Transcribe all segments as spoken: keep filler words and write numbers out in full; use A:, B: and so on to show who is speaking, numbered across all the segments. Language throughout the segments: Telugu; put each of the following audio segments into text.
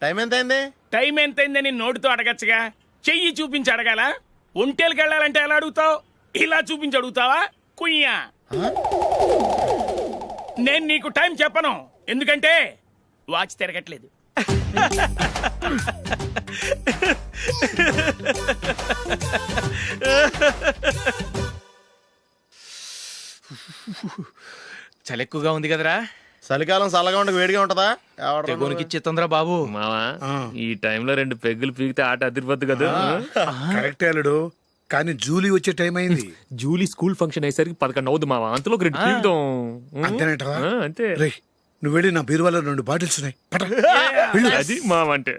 A: టైం ఎంత అయింది?
B: టైం ఎంతైందని నోటితో అడగచ్చుగా, చెయ్యి చూపించి అడగాల. ఒంటేలకు వెళ్ళాలంటే ఎలా అడుగుతావు? ఇలా చూపించి అడుగుతావా? కుయ్యా. నేను నీకు టైం చెప్పను, ఎందుకంటే వాచ్ తిరగట్లేదు.
C: చలి ఎక్కువగా ఉంది కదరా.
A: చలికాలం చల్లగా ఉండక వేడిగా ఉంటదా?
C: తెగోనికి ఇచ్చేతుందిరా బాబు.
D: మావా ఈ టైంలో రెండు పెగ్గులు పీకితే ఆట అదిరిపోద్దు కదా.
E: కరెక్ట్ అల్లుడు, కానీ జూలీ వచ్చే టైం అయింది.
D: జూలీ స్కూల్ ఫంక్షన్ అయ్యేసరికి పదకొండు అవుద్ది మావా, అంతలో రెండు పీకుతాం.
E: అంతేనేటవా?
D: ఆ, అంతే.
E: రే నువ్వు వెళ్ళి నా బీరువాలో రెండు బాటిల్స్ ఉన్నాయి, పట.
D: అది మావా అంటే.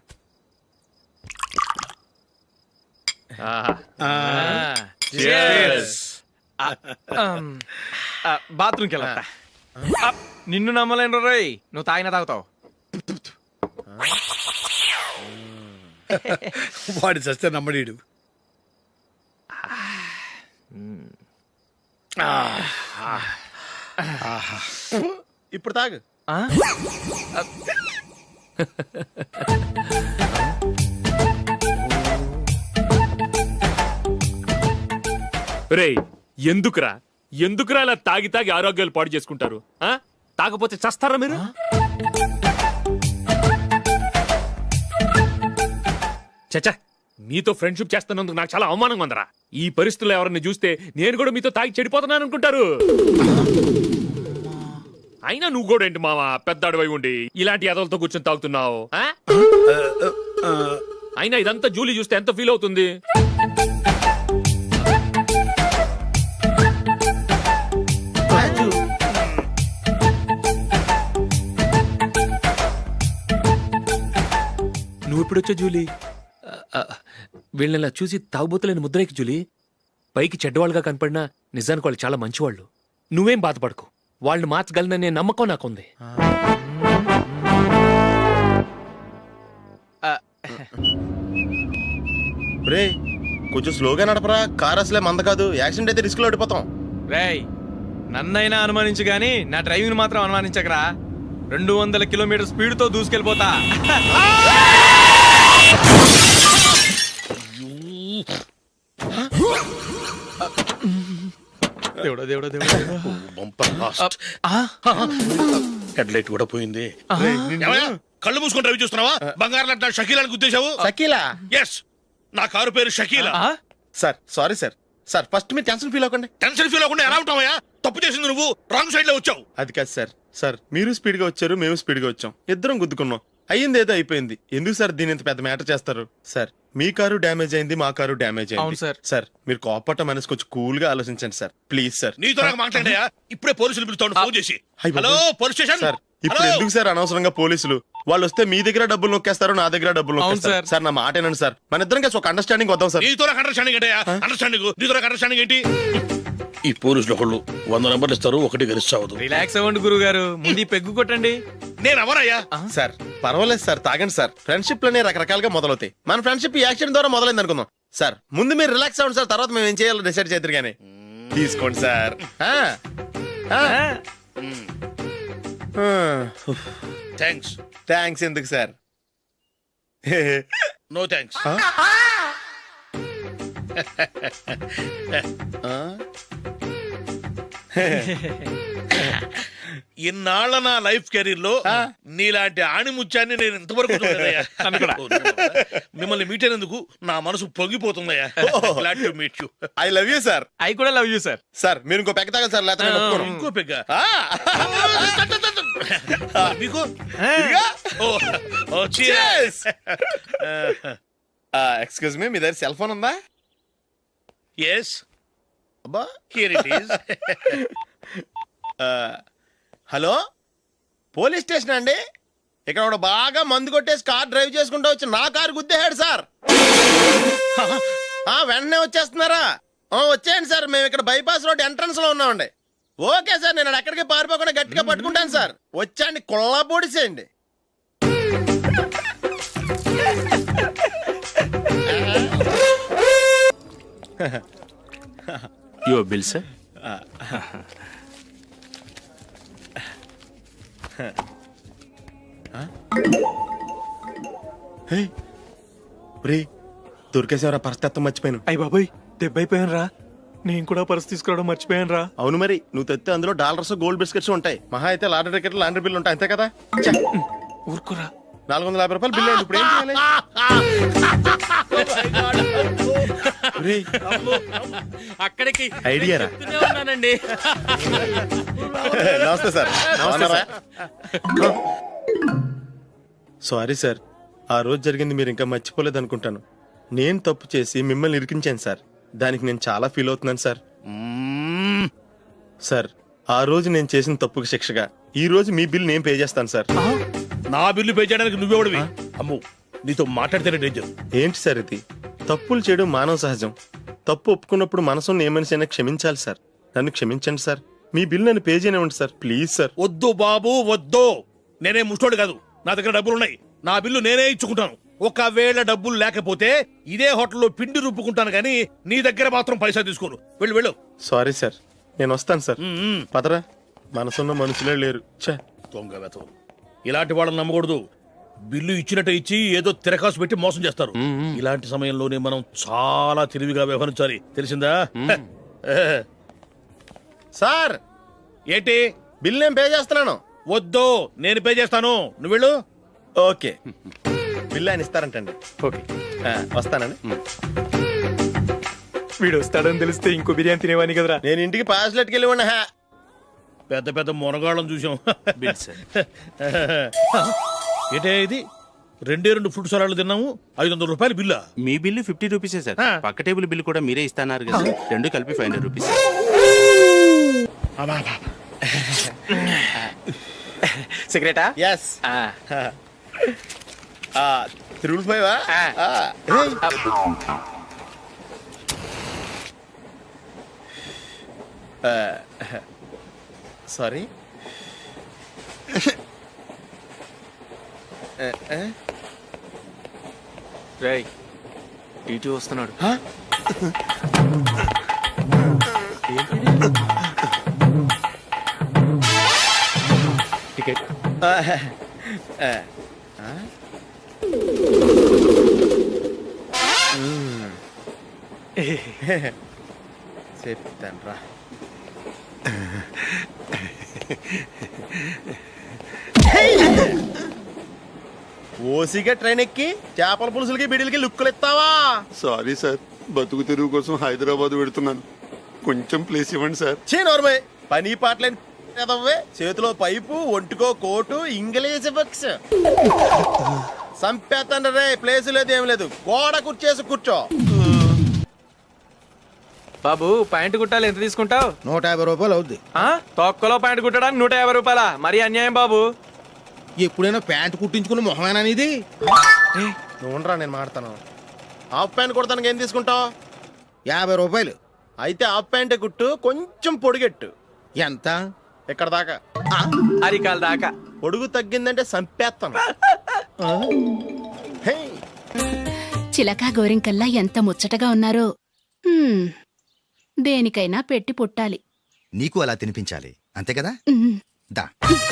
C: బాత్రూమ్కి వెళ్ళా. నిన్ను నమ్మలేను రోయ్, నువ్వు తాగినా తాగుతావు.
E: వాడి చస్తే నమ్మడీడు.
A: ఇప్పుడు తాగు.
D: రేయ్ ఎందుకురా ఎందుకురా ఇలా తాగి తాగి ఆరోగ్యాలు పాడు చేసుకుంటారు? ఆ తాగపోతే చస్తారా మీరు? చచ్చా, మీతో ఫ్రెండ్షిప్ చేస్తున్నందుకు నాకు చాలా అవమానంగా ఉందరా. ఈ పరిస్థితుల్లో ఎవరిని చూస్తే నేను కూడా మీతో తాగి చెడిపోతున్నాను అనుకుంటారు. అయినా నువ్వు కూడా ఏంటి మావా, పెద్ద అడవై ఉండి ఇలాంటి ఎదలతో కూర్చొని తాగుతున్నావు? అయినా ఇదంతా జూలీ చూస్తే ఎంత ఫీల్ అవుతుంది? నువ్వు ఇప్పుడొచ్చా జూలీ? వీళ్ళని చూసి తాగుబోతులేని ముద్రేకి జూలీ. పైకి చెడ్డవాళ్ళుగా కనపడినా నిజానికి వాళ్ళు చాలా మంచివాళ్ళు. నువ్వేం బాధపడకు, వాళ్ళని మార్చగలననే నమ్మకం నాకుంది.
A: రే కొంచెం స్లోగా నడపరా, కార్ అసలే మంద కాదు. యాక్సిడెంట్ అయితే రిస్క్ లో ఓడిపోతాం.
C: రేయ్ నన్నైనా అనుమానించు గాని నా డ్రైవింగ్ మాత్రం అనుమానించకరా. రెండు వందల కిలోమీటర్ స్పీడ్ తో దూసుకెళ్ళిపోతా. దేవుడా దేవుడా దేవుడా,
E: హెడ్ లైట్ కూడా పోయింది.
F: కళ్ళు మూసుకొని రవి చూస్తున్నావా? బంగారం లాంటి షకీలాని గుద్దేశావు.
A: షకీలా?
F: ఎస్, నా కారు పేరు Shakeela.
A: Sir sorry sir. Sir first మీరు టెన్షన్ ఫీల్ అవ్వకండి.
F: టెన్షన్ ఫీల్ అవ్వకుండా ఎలా ఉంటావయ్యా? తప్పు చేసింది నువ్వు, రాంగ్ సైడ్ లో వచ్చావు.
A: అది కాదు సార్. సార్ మీరు స్పీడ్ గా వచ్చారు, మేము స్పీడ్ గా వచ్చాం, ఇద్దరం గుద్దుకున్నాం. అయ్యింది ఏదో అయిపోయింది. ఎందుకు సార్ దీని ఇంత పెద్ద మ్యాటర్ చేస్తారు? సార్ మీ కారు డ్యామేజ్ అయింది, మా కారు డ్యామేజ్ అయింది.
C: సార్
A: సార్ మీరు కోపట్ట మనసు కొంచెం కూల్ గా ఆలోచించండి సార్, ప్లీజ్ సార్.
F: నీతో నాకు మాట్లాడాయా? ఇప్పుడే పోలీసులు పిలుస్తాను, ఫోన్ చేసి. Hello police station.
A: సార్ ఇప్పుడు ఎందుకు సార్ అనవసరంగా పోలీసులు? వాళ్ళు వస్తే మీ దగ్గర డబ్బులు నొక్కేస్తారు, నా దగ్గర డబ్బులు నొక్కేస్తారు. సార్ నా మాట ఏనండి సార్, మన ఇద్దరం కలిసి ఒక అండర్స్టాండింగ్ వద్దాం సార్.
F: నీతో నాకు అండర్స్టాండింగ్ ఏంటయ్యా? అండర్స్టాండింగ్ నీతో నాకు అండర్స్టాండింగ్ ఏంటి?
G: ఈ పోలీసులు ఒకళ్ళు వంద నెంబర్లు ఇస్తారు, ఒకటి గెలుస్తావదు.
C: రిలాక్స్ అవ్వండి గురువు గారు, ముందు ఈ పెగ్గు కొట్టండి.
F: నేను ఎవరయ్యా?
A: సార్ పర్వాలేదు సార్, తాగండి సార్. ఫ్రెండ్షిప్ లోనే రకరకాలుగా మొదలవుతాయి. మన ఫ్రెండ్షిప్ ఈ యాక్సిడెంట్ ద్వారా మొదలైంది అనుకుందాం. సార్ ముందు మీరు రిలాక్స్ అవ్వండి సార్, తర్వాత మేము ఏం చేయాలో డిసైడ్ చేద్దరు గానీ. తీసుకోండి సార్.
F: థ్యాంక్స్.
A: థ్యాంక్స్ ఎందుకు సార్?
F: No thanks. ఇన్నాళ్ళ నా లైఫ్ కెరీర్ లో నీలాంటి ఆణిముత్యాన్ని నేను ఇంతవరకు చూడలేదయ్యా. మిమ్మల్ని మీట్ అయినందుకు నా మనసు పొంగిపోతుందయ్యా. Glad to meet you.
A: I love you sir.
C: I కూడా లవ్ యూ సార్.
A: సార్ మీరు ఇంకో పెక్క తాగాలి సార్, లేకపోతే నేను ఒప్పుకోను.
F: ఇంకో పెగ్గ మీకు?
A: ఎక్స్క్యూజ్ మీ, మీ దగ్గర సెల్ ఫోన్ ఉందా?
F: ఎస్,
A: అబ్బా
F: here it is.
A: Hello police station అండి. ఇక్కడ ఒకడు బాగా మందు కొట్టేసి కార్ డ్రైవ్ చేసుకుంటూ వచ్చి నా కారు గుద్దేశాడు సార్. వెంటనే వచ్చేస్తున్నారా? వచ్చేయండి సార్, మేము ఇక్కడ బైపాస్ రోడ్ ఎంట్రన్స్ లో ఉన్నామండి. ఓకే సార్, నేను ఎక్కడికి పారిపోకుండా గట్టిగా పట్టుకుంటాను సార్. వచ్చాండి, కుళ్ళ పొడిసేయండి.
D: Your bill sir.
A: రే దొరికేసేవరా పరిస్థితి మర్చిపోయాను.
C: అయ్య బాబాయ్ దెబ్బైపోయాను రా. నేను కూడా పర్స్ తీసుకురావడం మర్చిపోయాను రా.
A: అవును మరి నువ్వు తెస్తే అందులో డాలర్స్ గోల్డ్ బిస్కెట్స్ ఉంటాయి. మహా అయితే లాటరీ టికెట్ లాండ్రీ బిల్లు ఉంటాయి అంతే కదా. ఛ!
C: ఊరుకురా.
A: నాలుగు వందల యాభై రూపాయలు బిల్లు అయింది. ఇప్పుడు ఏం చేయాలి? రేయ్,
C: అక్కడికి
A: ఐడియా రా.
C: చెప్తూనే ఉన్నానండి.
A: నమస్తే సార్.
C: నమస్తే సార్.
A: సారీ సార్, ఆ రోజు జరిగింది మీరు ఇంకా మర్చిపోలేదు అనుకుంటాను. నేను తప్పు చేసి మిమ్మల్ని ఇరికించాను సార్. దానికి నేను చాలా ఫీల్ అవుతున్నాను సార్.
F: మ్మ్.
A: సార్ ఆ రోజు నేను చేసిన తప్పుకి శిక్షగా ఈ రోజు మీ బిల్ నేను పే చేస్తాను సార్.
F: నా బిల్లు పే చేయడానికి నువ్వెవడివి? అమ్ము నీతో మాట్లాడితేనే డేంజర్.
A: ఏంటి సార్ ఇది? తప్పులు చేయడం మానవ సహజం. తప్పు ఒప్పుకున్నప్పుడు మనసుని ఏ మనిషి అయినా క్షమించాలి సార్. నన్ను క్షమించండి సార్. మీ బిల్ నన్ను పే చేయనివ్వండి సార్ ప్లీజ్ సార్.
F: వద్దు బాబు వద్దు. నేనే ముష్టోడు కాదు, నా దగ్గర డబ్బులు ఉన్నాయి. నా బిల్లు నేనే ఇచ్చుకుంటాను. ఒకవేళ డబ్బులు లేకపోతే ఇదే హోటల్లో పిండి రుబ్బుకుంటాను కానీ నీ దగ్గర మాత్రం పైసా తీసుకోను. వెళ్ళు వెళ్ళు.
A: సారీ సార్, నేను వస్తాను సార్.
F: మ్మ్.
A: పదరా, మనసున్న మనుషులే లేరు. ఛే!
F: దొంగ వెతవు. ఇలాంటి వాళ్ళని నమ్మకూడదు. బిల్లు ఇచ్చినట్టు ఇచ్చి ఏదో తిరకాసు పెట్టి మోసం చేస్తారు. ఇలాంటి సమయంలోనే మనం చాలా తెలివిగా వ్యవహరించాలి, తెలిసిందా?
A: సార్
F: ఏంటి?
A: బిల్ నేను పే చేస్తున్నాను.
F: వద్దు, నేను పే చేస్తాను. నువ్వు వెళ్ళు.
A: ఓకే, బిల్ ఆయన ఇస్తారంటండి.
C: ఓకే
A: ఆ, వస్తానండి.
C: వీడు వస్తాడని తెలిస్తే ఇంకో బిర్యానీ తినేవాని కదరా.
A: నేను ఇంటికి పాస్లెట్కి వెళ్ళి ఉన్నా.
F: పెద్ద పెద్ద మునగాళ్ళం చూసాం. ఏంటే ఇది? రెండే రెండు ఫ్రూట్ సలాడ్లు తిన్నాము, ఐదు వందల రూపాయలు బిల్లా?
H: మీ బిల్లు ఫిఫ్టీ రూపీసే సార్.
F: ఆ.
H: పక్క టేబుల్ బిల్లు కూడా మీరే ఇస్తాన్నారు కదా, రెండు కలిపి ఫైవ్ హండ్రెడ్ రూపీస్.
C: సిగరెటా?
A: ఎస్. Triple five. సారీ.
D: రేయ్ టీటీ వస్తున్నాడు. టికెట్.
A: చెప్తాను రా. ఓసిగా ట్రైన్ ఎక్కి చేపల పులుసులకి బిడిలకి లుక్కులు ఇస్తావా?
I: సారీ సార్, బతుకు తెరువు కోసం హైదరాబాద్ పెడుతున్నాను. కొంచెం ప్లేస్ ఇవ్వండి సార్.
A: చే నోర్మే, పని పాటలేని ఎదవ్వే. చేతిలో పైపు, ఒంటికో కోటు, ఇంగ్లీష్ బుక్స్. సంపేతండ్రి రే, ప్లేస్ లేదు ఏం లేదు. గోడ కుర్చేసి కూర్చో.
C: బాబు పాయింట్ కుట్టాలి, ఎంత తీసుకుంటావు?
J: నూట యాభై రూపాయలు అవుద్ది.
C: తొక్కలో పాయింట్ కుట్టడానికి నూట యాభై రూపాయల మరి అన్యాయం బాబు.
J: ఎప్పుడైనా ప్యాంట్ కుట్టించుకున్న మొహమేనా ఇది?
A: నువ్వురా, నేను మాడతాను. హాఫ్ ప్యాంట్ కుడతానికి ఏం తీసుకుంటావు?
J: యాభై రూపాయలు.
A: అయితే హాఫ్ ప్యాంటే కుట్టు, కొంచెం పొడిగెట్టు.
J: ఎంత?
A: ఇక్కడ దాకా.
C: అరికాల దాకా.
A: పొడుగు తగ్గిందంటే సంపేస్తాను. హే!
K: చిలకా గోరింకల్లా ఎంత ముచ్చటగా ఉన్నారో. హ్మ్, దేనికైనా పెట్టి పుట్టాలి.
J: నీకు అలా తినిపించాలి అంతే కదా?
K: ఉమ్.
J: దా.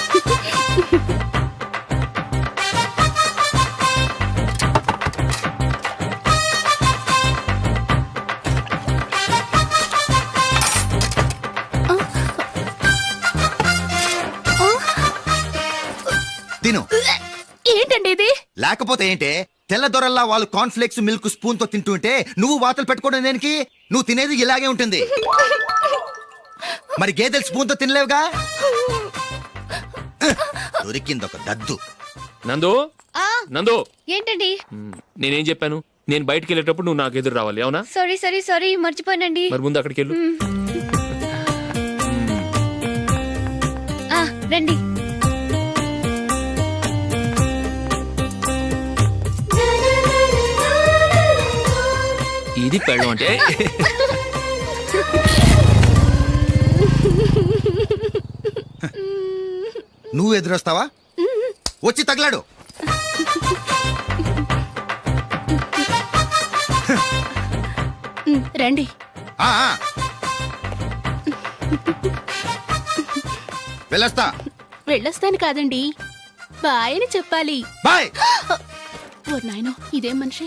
J: తిను.
K: ఏంటండి ఇది?
J: లేకపోతే ఏంటే, తెల్లదొరల్లా వాళ్ళు కార్న్ఫ్లేక్స్ మిల్క్ స్పూన్ తో తింటుంటే నువ్వు వాతలు పెట్టుకోవడం దేనికి? నువ్వు తినేది ఇలాగే ఉంటుంది. మరి గేదెలు స్పూన్ తో తినలేవుగా. దొరికింది ఒక దద్దు.
D: నందు నందు,
L: ఏంటండి?
D: నేనేం చెప్పాను? నేను బయటికి వెళ్ళేటప్పుడు నువ్వు నాకు ఎదురు రావాలి, అవునా?
L: సారీ సారీ సారీ మర్చిపోయానండి.
D: మరి ముందు అక్కడికి వెళ్ళు.
L: ఆ, రండి.
D: ఇది పెళ్ళం అంటే.
J: నువ్వు ఎదురొస్తావా? వచ్చి తగలాడు.
K: ఉమ్, రండి.
J: ఆ, ఆ. వెళ్ళొస్తా.
K: వెళ్ళొస్తాను కాదండి, బాయ్ అని చెప్పాలి.
J: బాయ్.
K: ఓ నాయనో ఇదేం మనిషి.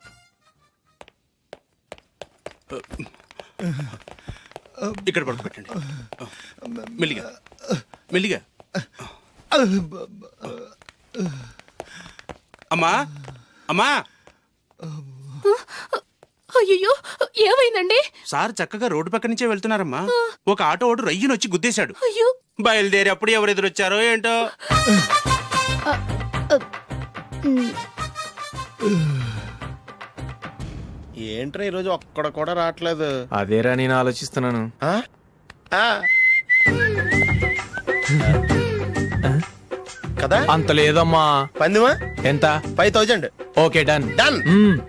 H: ఇక్కడ పడుకోబెట్టండి. మెల్లిగా మెల్లిగా. అమ్మా అమ్మా,
K: అయ్యో ఏమైందండి?
H: సార్ చక్కగా రోడ్డు పక్క నుంచే వెళ్తున్నారమ్మా. ఒక ఆటో ఓడు రయ్యను వచ్చి గుద్దేశాడు.
K: అయ్యో
H: బయలుదేరి అప్పుడు ఎవరు ఎదురొచ్చారో ఏంటో.
A: ఏంట్రా ఈరోజు ఒక్కడ కూడా రావట్లేదు.
C: అదేరా నేను ఆలోచిస్తున్నాను.
A: ఆ? ఆ. కదా
C: అంత లేదమ్మా.
A: పందిమా
C: ఎంత?
A: Five thousand.
C: Okay done.
A: Done.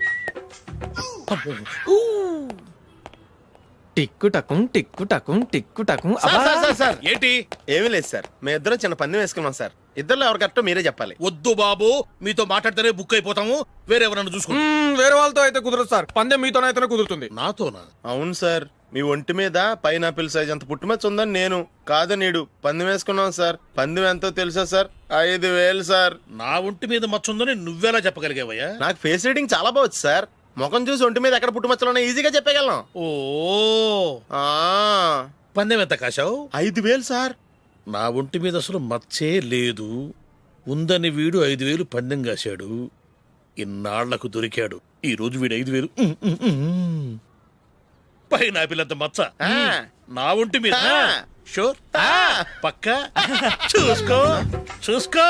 C: టిక్కు టకుం టిక్కు టకుం టిక్కు టకుం.
A: Sir, sir, sir, sir.
F: ఏంటి?
A: ఏమీ లేదు సార్, మేము ఇద్దరం చిన్న పందెం వేసుకున్నాం సార్. ఇద్దరు ఎవరు కరెక్టో మీరే చెప్పాలి.
F: వద్దు బాబు, మీతో మాట్లాడితేనే బుక్ అయిపోతాము. వేరెవరన్నా చూసుకోండి.
C: మ్మ్, వేరే వాళ్ళతో అయితే కుదరదు సార్. పందెం మీతోనైతేనే కుదురుతుంది.
F: నాతోనా?
A: అవును సార్, మీ ఒంటి మీద పైనాపిల్ సైజ్ అంత పుట్టుమచ్చ ఉందని నేను కాదు నీడు పందెం వేసుకున్నాం సార్. పందెం ఎంతో తెలుసా సార్? ఐదు వేలు సార్.
F: నా ఒంటి మీద మచ్చ ఉందని నువ్వెలా చెప్పగలిగావయ్యా?
A: నాకు ఫేస్ రీడింగ్ చాలా బాగుంది సార్. ముఖం చూసి ఒంటి మీద ఎక్కడ పుట్టుమచ్చలో ఈజీగా చెప్పగలను.
F: ఓ,
A: ఆ,
F: పందెం ఎంత కాశావు?
A: ఐదు వేలు సార్.
F: నా ఒంటి మీద అసలు మచ్చే లేదు. ఉందని వీడు ఐదు వేలు పందెం కాశాడు. ఇన్నాళ్లకు దొరికాడు. ఈ రోజు వీడు ఐదు వేలు ఉమ్, ఉమ్, ఉమ్. పైన పిల్లంత మచ్చ
A: ఆ.
F: నా ఒంటి మీద.
A: ఆ.
F: షూర్?
A: ఆ.
F: పక్క చూసుకో చూసుకో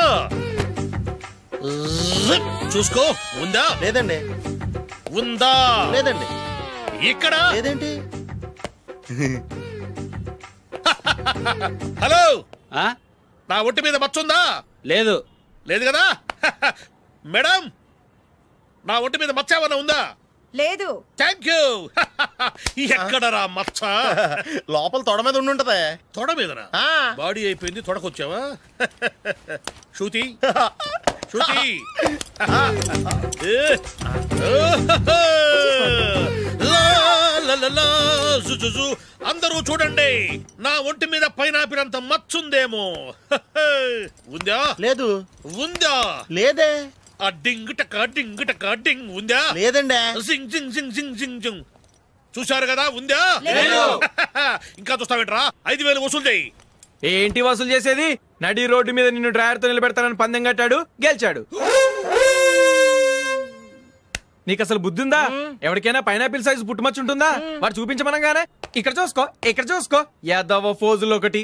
F: జిప్. చూసుకో. ఉందా?
A: లేదండి.
F: ఉందా?
A: లేదండి.
F: ఇక్కడ
A: లేదేంటి?
F: హలో,
H: ఆ?
F: నా ఒంటి మీద మచ్చ ఉందా?
H: లేదు.
F: లేదు కదా? మేడం, నా ఒంటి మీద మచ్చ ఏమన్నా ఉందా?
K: లేదు.
F: Thank you. ఎక్కడరా మచ్చ?
A: లోపల తొడ మీద ఉండి ఉంటదే.
F: తొడ మీదనా?
A: ఆ.
F: బాడీ అయిపోయింది, తొడకొచ్చావా? శృతి శృతి. ఏ. లా, లా, లా, లా, జు, జు, జు. అందరూ చూడండి, నా ఒంటి మీద పైనాపిల్ అంత మచ్చుందేమో. ఉందా?
A: లేదు.
F: ఉందా?
A: లేదే.
F: ఆ డింగ్ టక డింగ్ టక డింగ్ ఉందా?
A: లేదండి.
F: జింగ్ జింగ్ జింగ్ జింగ్ జింగ్ జింగ్. చూశారు కదా? ఉందా? ఇంకా చూస్తావేంట్రా? ఐదు వేలు వసూలు చేయి.
C: ఏంటి వసూలు చేసేది? నడి రోడ్డు మీద నిన్ను డ్రైవర్ తో నిలబెడతానని పందెం కట్టాడు, గెలిచాడు. నీకు అసలు బుద్ధి ఉందా? ఎవరికైనా పైనాపిల్ సైజ్ పుట్టుమచ్చు ఉంటుందా? వాడు చూపించమనగానే ఇక్కడ చూసుకో, ఇక్కడ చూసుకో, యాదవ ఫోజులు ఒకటి.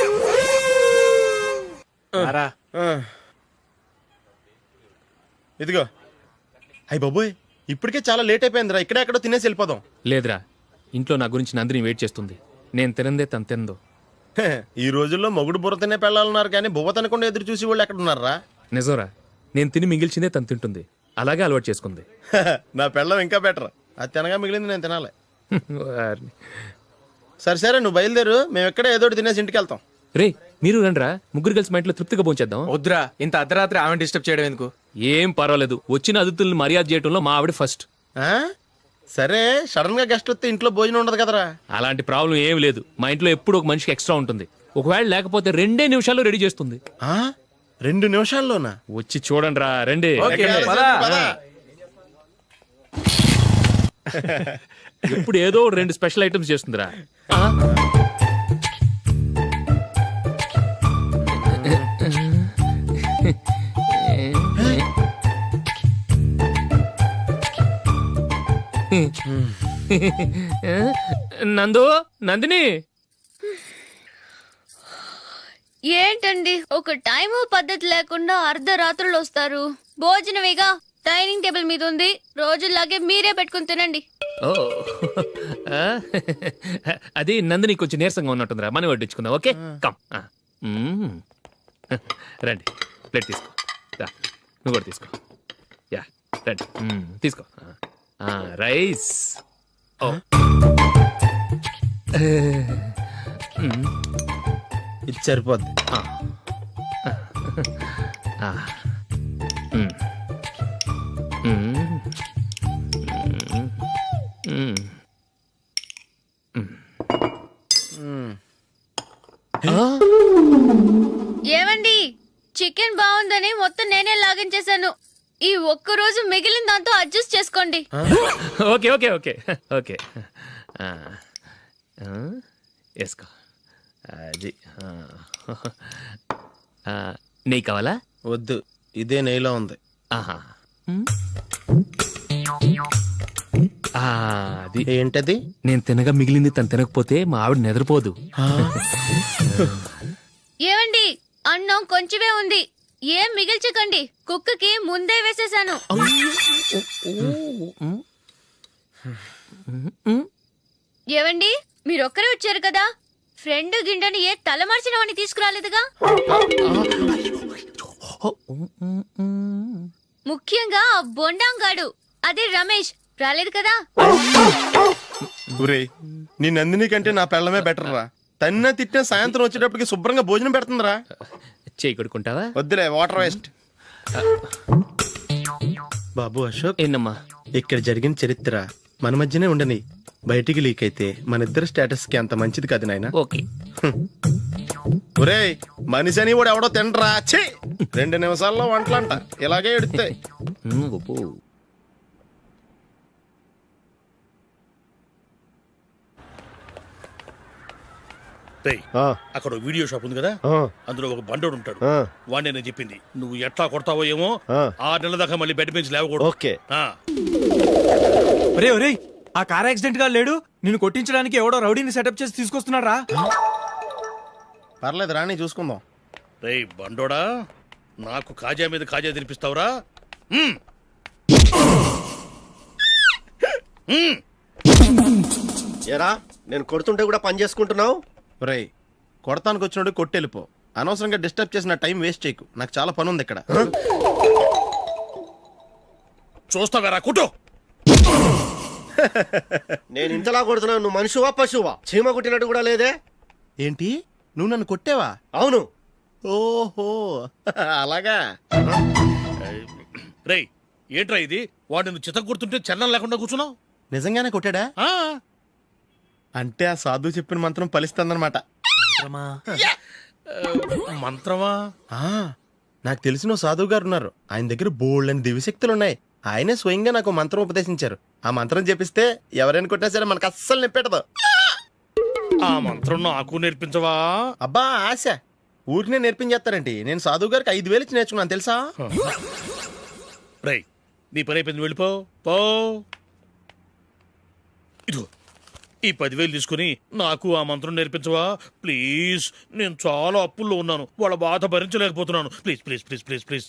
C: రా.
A: ఆ. ఇదిగో. అయ్య బాబోయ్, ఇప్పటికే చాలా లేట్ అయిపోయిందిరా. ఇక్కడే ఎక్కడో తినేసి వెళ్ళిపోదాం.
D: లేదురా, ఇంట్లో నా గురించి నందిని వెయిట్ చేస్తుంది. నేను తినందే తను తిందో.
A: హే, ఈ రోజుల్లో మొగుడు బుర్ర తినే పెళ్ళాలన్నారు కానీ బువ్వ తినకుండా ఎదురు చూసి వాళ్ళు ఎక్కడ ఉన్నారా?
D: నిజంరా, నేను తిని మిగిల్చిందే తను తింటుంది. అలాగే అలవాటు చేసుకుంది.
A: నా పెళ్ళం ఇంకా బెటర్. అది తినగా మిగిలింది నేను తినాలి.
D: వారిని.
A: సరే సరే, నువ్వు బయలుదేరు. మేము ఎక్కడే ఏదో ఒకటి తినేసి ఇంటికి వెళ్తాం.
D: రే, మీరు రండ్రా, ముగ్గురు కలిసి మా ఇంట్లో తృప్తిగా పోంచేద్దాం.
C: వద్దురా, ఇంత అర్ధరాత్రి ఆమె డిస్టర్బ్ చేయడం ఎందుకు?
D: ఏం పర్వాలేదు, వచ్చిన అతిథుల్ని మర్యాద చేయడంలో మా ఆవిడ ఫస్ట్.
A: ఆ? సరే, సడన్ గా గెస్ట్ వస్తే ఇంట్లో భోజనం ఉండదు కదరా?
D: అలాంటి ప్రాబ్లం ఏం లేదు. మా ఇంట్లో ఎప్పుడు ఒక మనిషికి ఎక్స్ట్రా ఉంటుంది. ఒకవేళ లేకపోతే రెండే నిమిషాల్లో రెడీ చేస్తుంది.
A: ఆ? రెండు నిమిషాల్లోనా?
D: వచ్చి చూడండి రా, రండి.
C: ఓకే,
A: ఎక్కడ?
C: పద.
A: పద.
D: ఎప్పుడు ఏదో రెండు స్పెషల్ ఐటమ్స్ చేస్తుందిరా. నందు, నందిని,
L: ఏంటండి ఒక టైము పద్ధతి లేకుండా అర్ధరాత్రులు వస్తారు? భోజనమేగా డైనింగ్ టేబుల్ మీద ఉంది, రోజుల్లాగే మీరే పెట్టుకుని తినండి.
D: ఓ ఆ, అది నందిని కొంచెం నీరసంగా ఉన్నట్టుందిరా, మనీ వడ్డించుకుందాం. Okay, come. ఆ, మ్మ్. రండి, ప్లేట్ తీసుకో. రా, నువ్వు కూడా తీసుకో. యా, రండి. మ్మ్, తీసుకో. ఆ, రైస్. ఓ, మ్మ్.
A: ఇది సరిపోద్ది.
D: ఆ. ఆ. మ్మ్. మ్మ్. మ్మ్. మ్మ్.
L: ఏమండి, చికెన్ బాగుందని మొత్తం నేనే లాగించేశాను. ఈ ఒక్క రోజు మిగిలిన దాంతో అడ్జస్ట్ చేసుకోండి.
D: ఓకే ఓకే ఓకే ఓకే ఆ, ఆ, వేసుకో అది ఆ. ఆ, నెయ్యి కావాలా?
A: వద్దు, ఇదే నెయ్యిలో ఉంది.
D: ఆహా ఉమ్. ఆ, అది
A: ఏంటది?
D: నేను తినగా మిగిలింది తను తినకపోతే మా ఆవిడ నిద్రపోదు.
L: ఏమండి, అన్నం కొంచెమే ఉంది, ఏం మిగిల్చకండి. కుక్కకి ముందే వేసేసాను. ఏవండి, మీరొక్కరే వచ్చారు కదా, ఫ్రెండ్ గిండెని ఏ తలమార్చిన వాడిని తీసుకురాలేదుగా. ముఖ్యంగా ఆ బొండాంగాడు, అదే రమేష్, రాలేదు కదా.
A: ఒరేయ్, నీ నందిని కంటే నా పెళ్ళమే బెటర్ రా. తన్న తిట్టిన సాయంత్రం వచ్చేటప్పటికి శుభ్రంగా భోజనం పెడుతుందిరా.
D: చేయి కొడుకుంటావా?
A: వద్దులే, వాటర్ వేస్ట్. బాబు అశోక్,
D: ఏంటమ్మా?
A: ఇక్కడ జరిగిన చరిత్ర మన మధ్యనే ఉండని, బయటికి లీక్ అయితే మన ఇద్దరు స్టేటస్ కి అంత మంచిది కాదు నాయన.
D: ఓకే.
A: ఒరేయ్, మనిషి అని కూడా ఎవడో తినరా. ఛీ, రెండు నిమిషాల్లో వంటలంట ఇలాగే ఎడుతాయి.
D: ఉమ్, గొప్ప.
F: రేయ్, అక్కడ ఓ వీడియో షాప్ ఉంది కదా, అందులో ఒక బండోడు ఉంటాడు. వాడిని నేను చెప్పింది, నువ్వు ఎట్లా కొడతావో ఏమో, ఆరు నెలల దాకా మళ్ళీ బెడ్ పెంచి లేవకూడదు.
A: ఓకే.
F: ఆ.
C: ఒరే ఒరే, ఆ కార్ యాక్సిడెంట్ గా లేడు, నిన్ను కొట్టించడానికి ఎవడో రౌడీని సెటప్ చేసి తీసుకొస్తున్నాడు రా.
A: పర్లేదు రాని, చూసుకుందాం.
F: రేయ్ బండోడా, నాకు కాజా మీద కాజా తినిపిస్తావురా? మ్మ్. మ్మ్.
A: ఏరా, నేను కొడుతుంటే కూడా పని చేసుకుంటున్నావు. ఒరేయ్, కొడతానికి వచ్చినోడు కొట్టెళ్ళిపో. అనవసరంగా డిస్టర్బ్ చేసిన టైం వేస్ట్ చేయకు, నాకు చాలా పని ఉంది ఇక్కడ.
F: చూస్తావేరా కుట్టు.
A: నేను ఇంతలా కొడుతున్నావు, నువ్వు మనిషివా పశువా? చీమ కొట్టినట్టు కూడా లేదే. ఏంటి, నువ్వు నన్ను కొట్టేవా? అవును. ఓహో, అలాగా.
F: రేయ్, ఏంట్రా ఇది? వాడు నువ్వు చిత్త కొడుతుంటే చలనం లేకుండా కూర్చున్నావు.
A: నిజంగానే కొట్టాడా?
F: ఆ.
A: అంటే ఆ సాధువు చెప్పిన మంత్రం ఫలిస్తుందన్నమాట.
F: మంత్రమా?
A: ఆ, నాకు తెలిసిన ఓ సాధువు గారు ఉన్నారు. ఆయన దగ్గర బోల్డ్ అని దివ్యశక్తులు ఉన్నాయి. ఆయనే స్వయంగా నాకు మంత్రం ఉపదేశించారు. ఆ మంత్రం చెప్పిస్తే ఎవరైనా కొట్టినా సరే మనకు అస్సలు నిప్పెట్టదు.
F: ఆ మంత్రం నాకు నేర్పించవా?
A: అబ్బా ఆశ, ఊరినే నేర్పించేస్తారండి. నేను సాధువు గారికి ఐదు వేలు ఇచ్చి నేర్చుకున్నాను తెలుసా.
F: రేయ్, నీ పని అయిపోయింది, వెళ్ళిపో పో. ఇదిగో ఈ పదివేలు తీసుకుని నాకు ఆ మంత్రం నేర్పించవా ప్లీజ్? నేను చాలా అప్పుల్లో ఉన్నాను, వాళ్ళ బాధ భరించలేకపోతున్నాను. Please please please please please.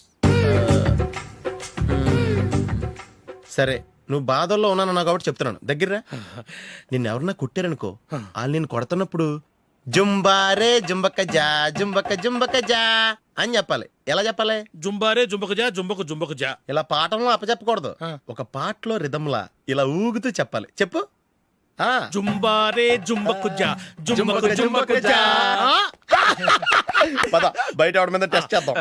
A: సరే, నువ్వు బాధల్లో ఉన్నాను నాకు కాబట్టి చెప్తున్నాను. దగ్గర నిన్ను ఎవరన్నా కొట్టారనుకో, వాళ్ళు నేను కొడుతున్నప్పుడు జుంబారే జుంబక జా జుంబక జుంబక జా అని చెప్పాలి. ఎలా చెప్పాలి?
F: జుంబారే జుంబకు జా జుంబకు జుంబకు జా.
A: ఇలా పాఠంలో అప్పచెప్పకూడదు, ఒక పాటలో రిధంలా ఇలా ఊగుతూ చెప్పాలి. చెప్పు. ఆ
F: జుంబారే జుంబకు జా జుంబకు జుంబకు జా.
A: పద, బయట ఆవిడ మీద టెస్ట్ చేద్దాం.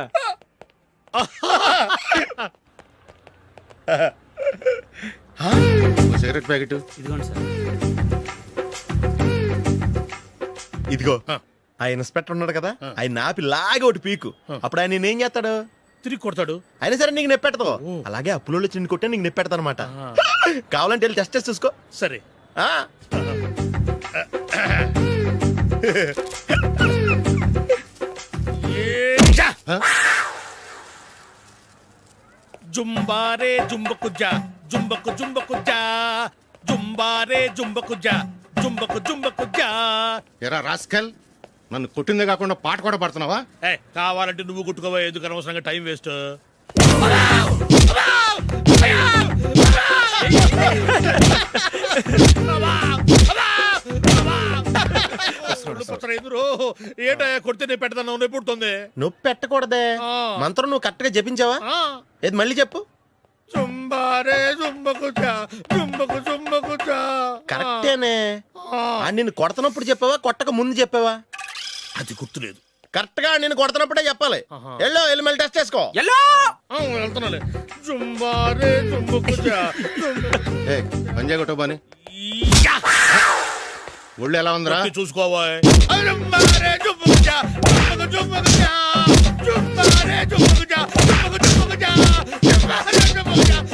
A: సిగరెట్ ప్యాకెట్
H: ఇదిగోండి సార్.
A: ఇదిగో. ఆ ఇన్స్పెక్టర్ ఉన్నాడు కదా, ఆయన నాపి లాగే ఒకటి పీకు. అప్పుడు ఆయన నేనేం చేస్తాడు?
F: తిరిగి కొడతాడు.
A: అయినా సరే నీకు నెప్పెడతావు. అలాగే అప్పులో చిన్న కొట్టే నీకు నెప్పెడతా అనమాట. కావాలంటే వెళ్ళి టెస్ట్ చేసి చూసుకో.
F: సరే.
A: ఆ
F: జుంబారే జుంబకు జా జుంబకు జుంబకు జా జుంబారే జుంబకు జా జుంబకు జుంబకు జా.
I: ఎరా రాస్కల్, నన్ను కొట్టిందే కాకుండా పాట కూడా పడుతున్నావా?
F: ఏ, కావాలంటే నువ్వు కుట్టుకోవా, ఎందుకు అనవసరంగా టైం వేస్ట్. ఏంటో కొడితే నేను పెడతాను, నొప్పి పుడుతుంది.
A: నొప్పి పెట్టకూడదే. మంత్రం నువ్వు కరెక్ట్ గా జపించావా? ఏది మళ్ళీ చెప్పు.
F: జుంబారే జుంబకు జా జుంబకు జుంబకు జా.
A: కరెక్టేనే. నిన్ను కొడుతున్నప్పుడు చెప్పావా, కొట్టక ముందు చెప్పావా?
F: అది గుర్తులేదు.
A: కరెక్ట్ గా నేను కొడుతున్నప్పుడే చెప్పాలి. ఎల్లో వెళ్ళి మళ్ళీ టెస్ట్ చేసుకో.
F: వెళ్తున్నాలే. జుంబారే జుంబకు జా.
I: పంజాయ్ కొట్టబాని ఒళ్ళు ఎలా ఉందిరా
F: చూసుకోవా. జుంబారే జుంబకు జా జుంబకు జుంబకు జా జుంబారే జుంబకు జా జుంబకు జుంబకు జా. యా